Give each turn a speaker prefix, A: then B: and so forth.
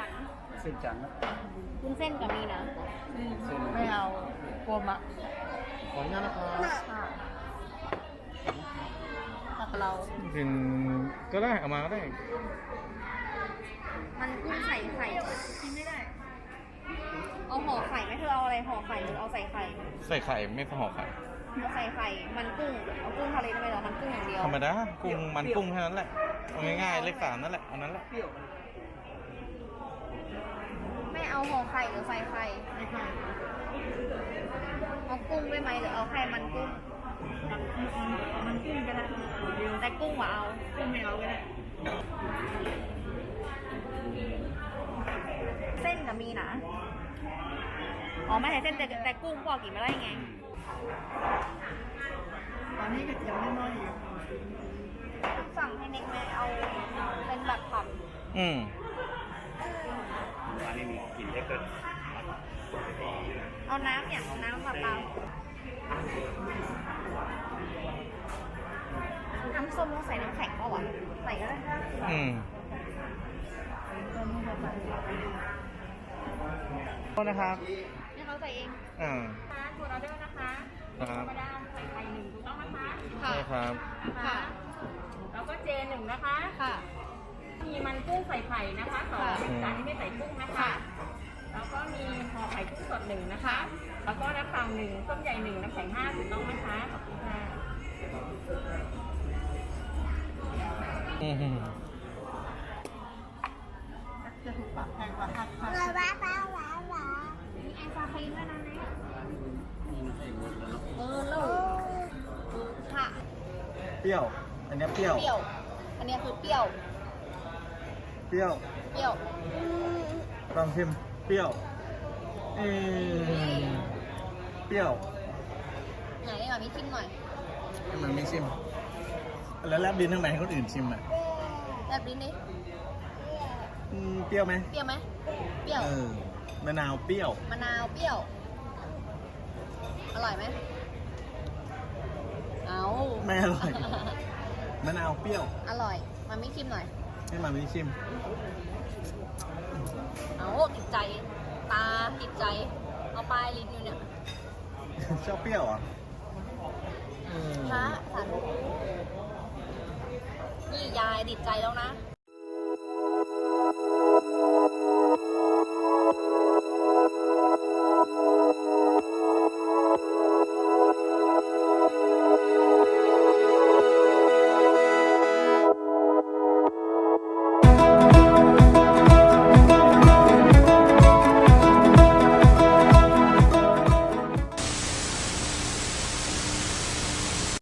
A: จัน
B: เส้นจันทร์นะ
A: วุ้นเส้นกับมีนะ
B: เส้น
C: ไม่เอากลัวมะ
B: ขออนุญาตนะครับ
A: กับเรา
B: เป็นก็ได้เอามาก็ได้
A: มันกุ้งใส่ไข่กินไม่ได้ เอาห่อไข่ไหมเธอเอาอะไรห่อไข่หรือเอาใส่ไข่
B: ใส่ไข่ไม่ห่อไข่
A: เอาใส่ไข่ มันกุ้ง เอากุ้งทะเลทำไมเหรอมันกุ้งอย่างเดียว
B: ธรรมดากุ้งมันกุ้งแค่นั้นแหละเอาง่ายๆเลข3นั่นแหละเอานั้นแหละ
A: ไม่เอาห่อไข่หรือใส่ไข่
C: ไม่ใช่
A: เอากุ้งได้ไหมหรือเอาแค่มันกุ้ง
C: มันกุ้งก็ได้เดียว
A: แต่กุ้งว่าเอา
C: กุ้งไม่เอาก็ได้
A: เส้นกับมีนะอ๋อไม่ใช่เส้นแต่กุ้งบอกกินไม่ได้ไง
C: ตอนนี้กระเทียมนิดหน่อยอยู่
A: สั่งให้เน็กไหมเอาเป็นแบบผัด
B: อืม
D: ร้านนี้มีกลิ่นเล็กเกิน
A: เอาน้ำอย่างน้ำแบบเราน้ำส้มต้องใส่น้ำแข็งเปล่าวะใส่ก็ได้
B: อืม
C: ตอนนี้เราใส่
B: โทษนะครับ
A: ให้เขาใส่เอง
B: อ่า
A: ค่ะถูกออเดอร์นะคะ
B: ครับ
A: ธรรมดาใส่ไข่หนึ่งถูกต้องนะคะ
B: ใช่ครับ
A: ค่ะ
E: แล้วก็เจหนึ่งนะคะ
A: ค่ะ
E: มีมันกุ้งใส่ไข่นะคะสอง
A: ค่ะ
E: จานนี้ไม่ใส่กุ้งนะคะ
A: ค่ะ
E: แล้วก็มีห่อไข่กุ้งสดหนึ่งนะคะ แล้วก็น้ำเปล่าหนึ่งต้มใหญ่หนึ่งน้ำแข็ง5ถูกต้องไหมคะขอบคุณค่ะ
B: อืม
C: จะถูกปรับแพงกว่า5
A: มีไอศครีมด้วยนะเนี่ยลูกค่ะ
B: เปรี้ยว อันนี้เปรี้ยว
A: เปรี้ยว อันนี้คือเปรี้ยว
B: เปรี้ยว
A: เปรี้ยว
B: ลองชิมเปรี้ยวเปรี้ยว
A: ไหนนี่มามีชิมหน่อย
B: ให้มันไม่ชิม แล้วแลบดินทำไมให้คนอื่นชิมอ่ะ
A: แบบนี้นี่
B: เปรี้ยวไหม
A: เปรี้ยวไหมเปรี้ยว
B: มะนาวเปรี้ยว
A: มะนาวเปรี้ยว อร่อยไหมเอา
B: ไม่อร่อย มะนาวเปรี้ยว
A: อร่อย มาไม่ชิมหน่อย
B: ให้มันไม่ชิม
A: เอาติดใจ ตาติดใจ เอาปลายลิ้นอยู่เนี่ย
B: ชอบเปรี้ยวเหรอ่ะ
A: พระสันนี่ยายติดใจแล้วนะ
B: อ